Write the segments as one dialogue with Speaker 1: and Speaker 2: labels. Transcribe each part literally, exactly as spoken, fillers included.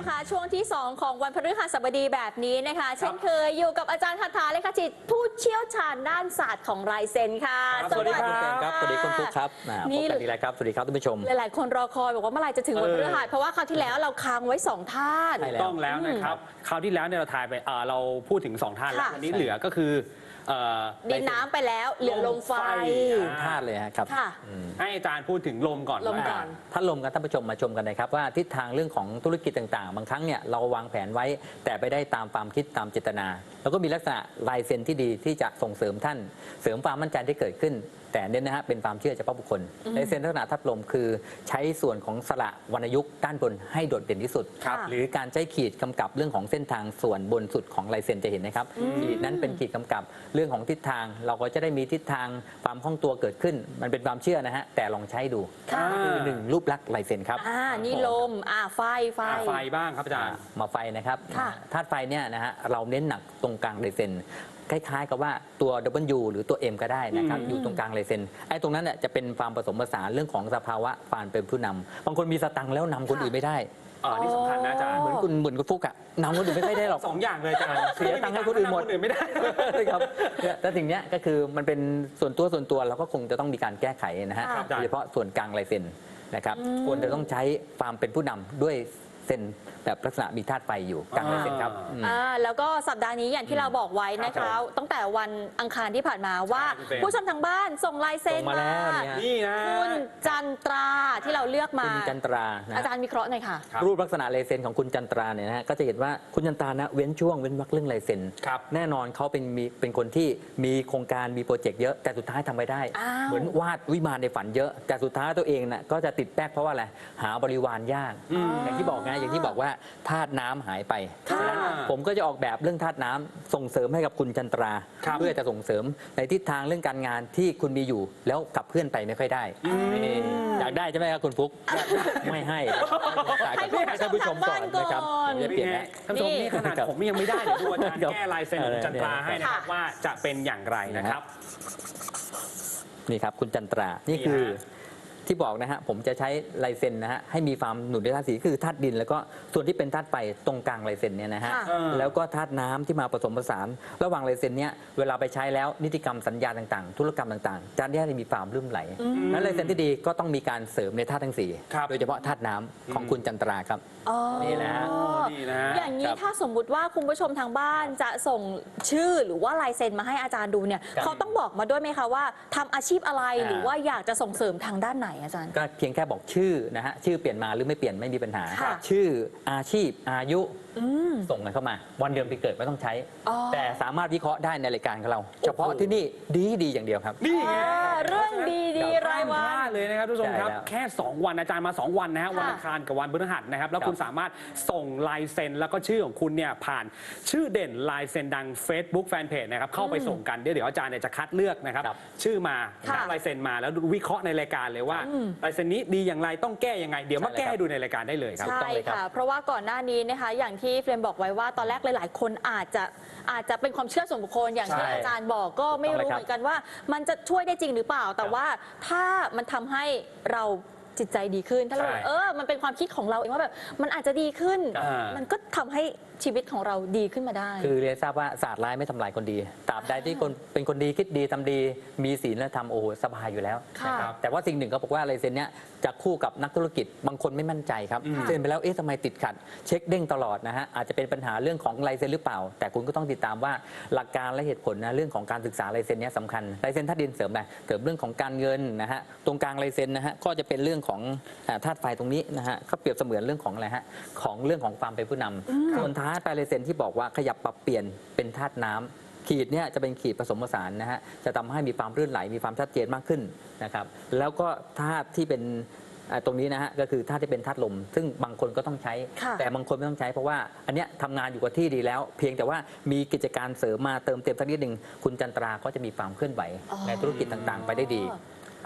Speaker 1: นะคะช่วงที่สองของวันพฤหัสบดีแบบนี้นะคะเช่นเคยอยู่กับอาจารย์คาถาเลขาจิตผู้เชี่ยวชาญด้านศาสตร์ของลายเซ็นค่ะ
Speaker 2: สวัสดีครับสวัสดีคุณฟุ๊กครับนี่พบกันอีกแล้วครับสวัสดีครับท่านผู้ชม
Speaker 1: หลายๆคนรอคอยบอกว่าเมื่อไหร่จะถึงวันพฤหัสเพราะว่าคราวที่แล้วเราค้างไว้สองท่าน
Speaker 3: ต้องแล้วนะครับคราวที่แล้วเนี่ยเราถ่ายไปเราพูดถึงสองท่านแล้ววันนี้เหลือก็คือ
Speaker 1: ดินน้ำไปแล้วเหลือลมไฟ
Speaker 2: ธาตุเลยครับ
Speaker 3: ให้อาจารย์พูดถึงลมก่อน
Speaker 1: ลมก่อน
Speaker 2: ถ้าลมกันท่านผู้ชมมาชมกันนะครับว่าทิศทางเรื่องของธุรกิจต่างๆบางครั้งเนี่ยเราวางแผนไว้แต่ไปได้ตามความคิดตามเจตนาแล้วก็มีลักษณะลายเซ็นที่ดีที่จะส่งเสริมท่านเสริมความมั่นใจที่เกิดขึ้นแต่เน้นนะฮะเป็นความเชื่อเฉพาะบุคคลลายเซ็นลักษณะทับลมคือใช้ส่วนของสระวรรณยุกต์ด้านบนให้โดดเด่นที่สุดหรือการใช้ขีดกำกับเรื่องของเส้นทางส่วนบนสุดของลายเซ็นจะเห็นนะครับขีดนั้นเป็นขีดกำกับเรื่องของทิศทางเราก็จะได้มีทิศทางความคล่องตัวเกิดขึ้นมันเป็นความเชื่อนะฮะแต่ลองใช้ดูคือหนึ่งรูปลักษณ์ลายเซ็นครับ
Speaker 1: อ่านี่ลมอ่าไฟไฟ
Speaker 3: ไฟบ้างครับอาจารย์
Speaker 2: มาไฟนะครับธาตุไฟเนี่ยนะฮะเราเน้นหนักตรงกลางลายเซ็นคล้ายๆกับว่าตัว ดับเบิลยู หรือตัว เอ็ม ก็ได้นะครับอยู่ตรงกลางลายเซ็นไอ้ตรงนั้นเนี่ยจะเป็นความผสมผสานเรื่องของสภาวะความเป็นผู้นำบางคนมีสตังค์แล้วนำคนอื่นไม่ได้
Speaker 3: อ๋อนี่สำคัญนะอาจารย์
Speaker 2: เหมือนคุณเหมือนคุณฟุกอะนำคนอื่นไม่ได้หรอก
Speaker 3: สองอย่างเลยอาจารย์
Speaker 2: เสียตังค์ให้คนอื่นหมด
Speaker 3: คนอื่นไม่ได้
Speaker 2: ครับแต่สิ่งนี้ก็คือมันเป็นส่วนตัวส่วนตัวเราก็คงจะต้องมีการแก้ไขนะฮะโดยเฉพาะส่วนกลางลายเซ็นนะครับควรจะต้องใช้ความเป็นผู้นำด้วยเซ็นแบบลักษณะมีธาตุไฟอยู่กลางลายเซ็นครับ
Speaker 1: อ่าแล้วก็สัปดาห์นี้อย่างที่เราบอกไว้นะคะตั้งแต่วันอังคารที่ผ่านมาว่าผู้ชมทางบ้านส่งลายเซ็นมา
Speaker 3: นี่นะ
Speaker 1: คุณจันตราที่เราเลือกมา
Speaker 2: คุณจันตรา
Speaker 1: อาจารย์วิเคราะห์หน่อยค่ะ
Speaker 2: รูปลักษณะลายเซ็นของคุณจันตราเนี่ยนะฮะก็จะเห็นว่าคุณจันตรานะเว้นช่วงเว้นวรรคเรื่องลายเซ็นแน่นอนเขาเป็นมีเป็นคนที่มีโครงการมีโปรเจกต์เยอะแต่สุดท้ายทำไม่ได้เหมือนวาดวิมานในฝันเยอะแต่สุดท้ายตัวเองน่ะก็จะติดแป๊กเพราะว่าอะไรหาบริวารยากอย่างที่บอกไงอย่างที่บอกว่าธาตุน้ำหายไปฉะนั้นผมก็จะออกแบบเรื่องธาตุน้ำส่งเสริมให้กับคุณจันตราเพื่อจะส่งเสริมในทิศทางเรื่องการงานที่คุณมีอยู่แล้วกับเพื่อนไปไม่ค่อยได้อยากได้ใช่ไหมครับคุณฟุ๊กไม่ให้
Speaker 1: ให้ท่านผู้ชมก่อนนะครับ
Speaker 2: จะเปลี่ยนนะ
Speaker 3: ท่านผู้ชมนี่ขนาดผมยังไม่ได้เดี๋ยวดูอาจารย์แก้ลายเซ็นของจันตราให้นะครับว่าจะเป็นอย่างไรนะครับ
Speaker 2: นี่ครับคุณจันตรานี่คือที่บอกนะฮะผมจะใช้ลายเซ็นนะฮะให้มีความหนุนด้วยธาตุสีคือธาตุดินแล้วก็ส่วนที่เป็นธาตุไฟตรงกลางลายเซ็นเนี่ยนะฮะแล้วก็ธาตุน้ำที่มาผสมผสานระหว่างลายเซ็นเนี่ยเวลาไปใช้แล้วนิติกรรมสัญญาต่างๆธุรกรรมต่างๆจะได้มีความลื่นไหลนั้นลายเซ็นที่ดีก็ต้องมีการเสริมในธาตุทั้งสี่โดยเฉพาะธาตุน้ำของคุณจันตราครับนี่แหละ
Speaker 1: อย่างนี้ถ้าสมมุติว่าคุณผู้ชมทางบ้านจะส่งชื่อหรือว่าลายเซ็นมาให้อาจารย์ดูเนี่ยเขาต้องบอกมาด้วยไหมคะว่าทำอาชีพอะไรหรือว่าอยากจะส่งเสริมทางด้านไหนอาจารย์
Speaker 2: ก็เพียงแค่บอกชื่อนะฮะชื่อเปลี่ยนมาหรือไม่เปลี่ยนไม่มีปัญหาชื่ออาชีพอายุส่งกันเข้ามาวันเดือนปีเกิดไม่ต้องใช้แต่สามารถวิเคราะห์ได้ในรายการของเราเฉพาะที่นี่ดีดีอย่างเดียวครับ
Speaker 3: นี่ไง
Speaker 1: เรื่องดีดีรายวัน
Speaker 3: เลยนะครับทุกท่านครับแค่สองวันอาจารย์มาสองวันนะฮะวันอังคารกับวันพฤหัสนะครับแล้วคุณสามารถส่งลายเซ็นแล้วก็ชื่อของคุณเนี่ยผ่านชื่อเด่นลายเซ็นดัง Facebook Fanpage นะครับเข้าไปส่งกันเดี๋ยวเดี๋ยวอาจารย์เนี่ยจะคัดเลือกนะครับชื่อมาลายเซ็นมาแล้ววิเคราะห์ในรายการเลยว่าลายเซ็นนี้ดีอย่างไรต้องแก้ยังไงเดี๋ยวมาแก้ดูในรายการได้เลยครับ
Speaker 1: ใช่ค่ะเพราะว่าก่อนหน้านี้นะคะอย่างที่เฟรมบอกไว้ว่าตอนแรกหลายๆคนอาจจะอาจจะเป็นความเชื่อส่วนบุคคลอย่างที่อาจารย์บอกก็ไม่รู้เหมือนกันว่ามันจะช่วยได้จริงหรือเปล่าแต่ว่าถ้ามันทำให้เราจิตใจดีขึ้นถ้าเราเออมันเป็นความคิดของเราเองว่าแบบมันอาจจะดีขึ้นมันก็ทำให้ชีวิตของเราดีขึ้นมาได้
Speaker 2: คือเรียนทราบว่าศาสตร์ร้ายไม่ทำลายคนดีตราบใดที่คนเป็นคนดีคิดดีทำดีมีศีลและทำโอ้โหสบายอยู่แล้วนะครับแต่ว่าสิ่งหนึ่งเขาบอกว่าลายเซ็นเนี้ยจะคู่กับนักธุรกิจบางคนไม่มั่นใจครับเซ็นไปแล้วเอ๊ะทำไมติดขัดเช็คเด้งตลอดนะฮะอาจจะเป็นปัญหาเรื่องของลายเซ็นหรือเปล่าแต่คุณก็ต้องติดตามว่าหลักการและเหตุผลนะเรื่องของการศึกษาลายเซ็นเนี้ยสำคัญลายเซ็นธาตุดินเสริมอะไรเสริมเรื่องของการเงินนะฮะตรงกลางลายเซ็นนะฮะก็จะเป็นเรื่องของธาตุไฟตรงนี้นะฮะเขาเปรียบเสมือนเรื่องของอะไรฮะของเรื่องของความเป็นผู้นำส่วนท้ายปลายลายเซ็นที่บอกว่าขยับปรับเปลี่ยนเป็นธาตุน้ำขีดเนี่ยจะเป็นขีดผสมผสานนะฮะจะทำให้มีความลื่นไหลมีความชัดเจนมากขึ้นนะครับแล้วก็ธาตุที่เป็นตรงนี้นะฮะก็คือธาตุที่เป็นธาตุลมซึ่งบางคนก็ต้องใช้แต่บางคนไม่ต้องใช้เพราะว่าอันเนี้ยทำงานอยู่กับที่ดีแล้วเพียงแต่ว่ามีกิจการเสริมมาเติมเต็มสักนิดหนึ่งคุณจันตราก็จะมีความเคลื่อนไหวในธุรกิจต่างๆไปได้ดี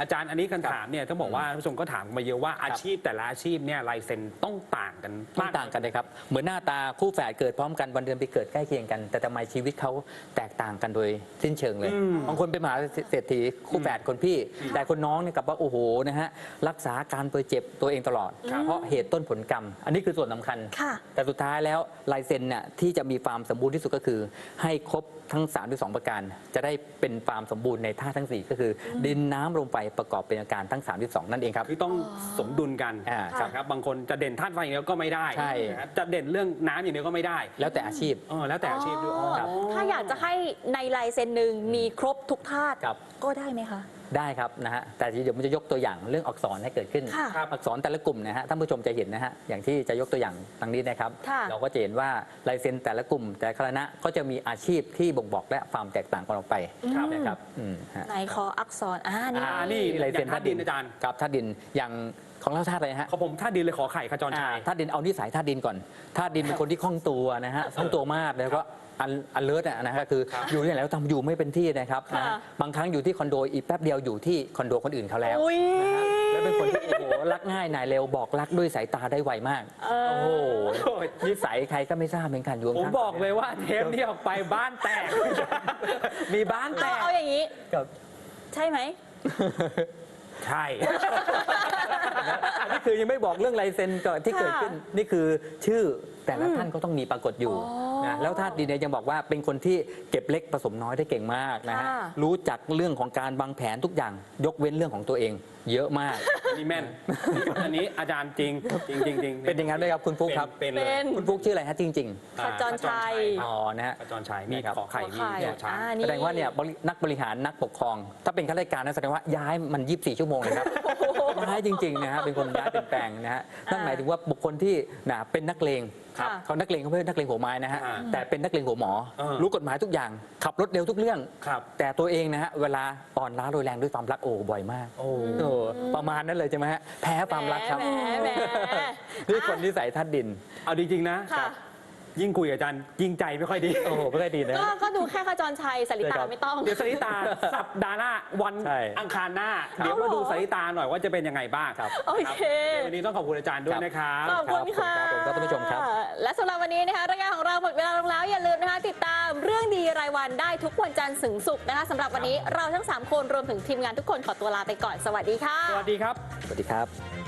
Speaker 3: อาจารย์อันนี้คำถามเนี่ยต้องบอกว่าผู้ชมก็ถามมาเยอะว่าอาชีพแต่ละอาชีพเนี่ยลายเซ็นต้องต่างกัน
Speaker 2: ต้องต่างกันเลยครับเหมือนหน้าตาคู่แฝดเกิดพร้อมกันวันเดือนปีเกิดใกล้เคียงกัน แต่ทำไมชีวิตเขาแตกต่างกันโดยสิ้นเชิงเลยบางคนเป็นมหาเศรษฐีคู่แฝดคนพี่ แต่คนน้องเนี่ยกลับว่าโอ้โหนะฮะรักษาการป่วยเจ็บตัวเองตลอด เพราะเหตุต้นผลกรรม อันนี้คือส่วนสำคัญ แต่สุดท้ายแล้วลายเซ็นเนี่ยที่จะมีความสมบูรณ์ที่สุดก็คือ ให้ครบทั้งสามหรือสองประการจะได้เป็นความสมบูรณ์ในท่าทั้งสี่ก็คือ ดินน้ำลมไฟประกอบเป็นอาการทั้งสามหรือสองนั่นเองครับ
Speaker 3: คือต้องสมดุลกัน
Speaker 2: อ่าครับ
Speaker 3: ครับบางคนจะเด่นธาตุไฟอย่างเดียวก็ไม่ได้
Speaker 2: ใช่
Speaker 3: นะครับจะเด่นเรื่องน้ำอย่างเดียวก็ไม่ได้
Speaker 2: แล้วแต่อาชีพ
Speaker 3: เออแล้วแต่อาชีพด้วยอ๋อ
Speaker 2: ครับ
Speaker 1: ถ้าอยากจะให้ในลายเซ็นหนึ่งมีครบทุกธาตุ
Speaker 2: ครับ
Speaker 1: ก็ได้ไหมคะ
Speaker 2: ได้ครับนะฮะแต่เดี๋ยวมันจะยกตัวอย่างเรื่องอักษรให้เกิดขึ้น
Speaker 1: ค่ะ
Speaker 2: อักษรแต่ละกลุ่มนะฮะท่านผู้ชมจะเห็นนะฮะอย่างที่จะยกตัวอย่างดังนี้นะครับ
Speaker 1: ค่ะ
Speaker 2: เราก็จะเห็นว่าลายเซ็นแต่ละกลุ่ม แต่ละคณะก็จะมีอาชีพที่บ่งบอกและความแตกต่างกันออกไปนะครับอืมฮะ
Speaker 1: ในคออักษรอ่านี่
Speaker 3: อ่านี่
Speaker 2: ลายเซ็น
Speaker 3: อย่างธาตุดินอาจารย์
Speaker 2: ครับธาตุดินอย่างของเราธาตุอะไรฮะ
Speaker 3: เขาผมธาตุดินเลยขอไข่ขจร
Speaker 2: อ่า
Speaker 3: ชัย
Speaker 2: ธาตุดินเอานิสัยธาตุดินก่อนธาตุดินเป็นคนที่คล่องตัวนะฮะคล่องตัวมากแล้วก็อันอันเลิศนะฮะคือ
Speaker 3: ครับ
Speaker 2: อยู่ที่ไหนแล้วทำอยู่ไม่เป็นที่นะครับนะฮะ
Speaker 1: ค่ะ
Speaker 2: บางครั้งอยู่ที่คอนโดอีกแป๊บเดียวอยู่ที่คอนโดคนอื่นเขาแล้ว
Speaker 1: อุ้ย
Speaker 2: แล้วเป็นคนที่โอ้โหรักง่ายนายเร็วบอกรักด้วยสายตาได้ไวมาก
Speaker 1: เออ
Speaker 2: โอ้โหนิสัยใครก็ไม่ทราบเหมือนกันอยู่
Speaker 3: ผม
Speaker 2: ข้างๆ
Speaker 3: บอกเลยว่าเทปนี้ออกไปบ้านแตก มีบ้านแต
Speaker 1: เอา
Speaker 3: ก
Speaker 1: เอาอย่างนี้
Speaker 2: ครับ
Speaker 1: ใช่ไหม
Speaker 3: ใช่
Speaker 2: อันนี้คือยังไม่บอกเรื่องลายเซ็นก่อนที่เกิดขึ้นนี่คือชื่อแต่ละท่านก็ต้องมีปรากฏอยู่
Speaker 1: อ๋อ
Speaker 2: นะแล้วธาตุดินเนี่ยยังบอกว่าเป็นคนที่เก็บเล็กผสมน้อยได้เก่งมากนะฮะ
Speaker 1: ค่ะ
Speaker 2: รู้จักเรื่องของการวางแผนทุกอย่างยกเว้นเรื่องของตัวเอง เยอะมาก
Speaker 3: อันนี้แม่น อันนี้อาจารย์จริงจริงจริงจริง
Speaker 2: เป็นอย่างนั้นไหมครับคุณฟุ๊กครับ
Speaker 3: เป็นเลย
Speaker 1: เป็น
Speaker 2: คุณฟุ๊กชื่ออะไรฮะจริง
Speaker 1: ขจรชัย
Speaker 2: ๆอ๋อนะฮะ
Speaker 3: ขจรชัยมี
Speaker 2: นี่ครับ
Speaker 3: ขอไข่มี
Speaker 1: ขอไข่
Speaker 3: ขอช้าง
Speaker 1: อ่า
Speaker 2: แสดงว่าเนี่ยบรินักบริหารนักปกครอง ถ้าเป็นข้าราชการนะแสดงว่าย้ายมันยี่สิบสี่ชั่วโมงเลยครับ ย้ายจริงๆนะฮะเป็นคนย้ายเป็นแปลงนะฮะนั่นหมายถึงว่าบุคคลที่นะเป็นนักเลง
Speaker 1: ครับ
Speaker 2: เขานักเลงเขาไม่ใช่นักเลงหัวไม้นะฮะ
Speaker 3: อ่า
Speaker 2: แต่เป็นนักเลงหัวหมอ
Speaker 3: เออ
Speaker 2: รู้กฎหมายทุกอย่าง ขับรถเร็วทุกเรื่อง
Speaker 3: ครับ
Speaker 2: แต่ตัวเองนะฮะเวลาอ่อนล้าโรยแรงด้วยความรักโอ้บ่อยมาก
Speaker 3: โอ้
Speaker 2: โอ้ประมาณนั้นเลยใช่ไหมฮะแพ้ความรักครับ
Speaker 1: แหมแหมแหม
Speaker 2: นี่คนนิสัยธาตุดิน
Speaker 3: เอาจริงๆนะ
Speaker 1: ค่ะ
Speaker 3: ยิ่งคุยกับอาจารย์ยิ่งใจไม่ค่อยดี
Speaker 2: โอ้โหไม่ได้ดีนะ
Speaker 1: ก็ก็ดูแค่ขจรชัยสลิ
Speaker 2: ใช่
Speaker 1: ตา
Speaker 2: ครับ
Speaker 1: ไม่ต้อง
Speaker 3: เดี๋ยวสริตา สัปดาห์หน้าวัน
Speaker 2: ใช่
Speaker 3: อังคารหน้า
Speaker 2: ครับ
Speaker 3: เดี๋ยวมาดูสริตาหน่อยว่าจะเป็นยังไงบ้าง
Speaker 2: ครับ
Speaker 1: โอเค
Speaker 3: วันนี้ต้องขอบคุณอาจารย์ด้วยนะครับ
Speaker 1: ขอบคุณค่ะ
Speaker 2: ครับผมครับท่านผู้ชมครับ
Speaker 1: และสำหรับวันนี้นะคะรายการของเราหมดเวลาลงแล้วอย่าลืมนะคะติดตามเรื่องดีรายวันได้ทุกวันจันทร์ถึงศุกร์นะคะสำหรับวันนี้เราทั้งสามคนรวมถึงทีมงานทุกคนขอตัวลาไปก่อนสวัสดีค่ะ
Speaker 3: สวัสดีครับ
Speaker 2: สวัสดีครับ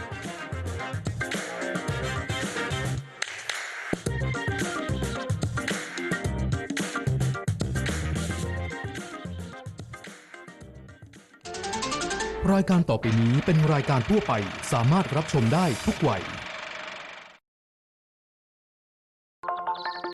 Speaker 4: รายการต่อไปนี้เป็นรายการทั่วไปสามารถรับชมได้ทุกวัย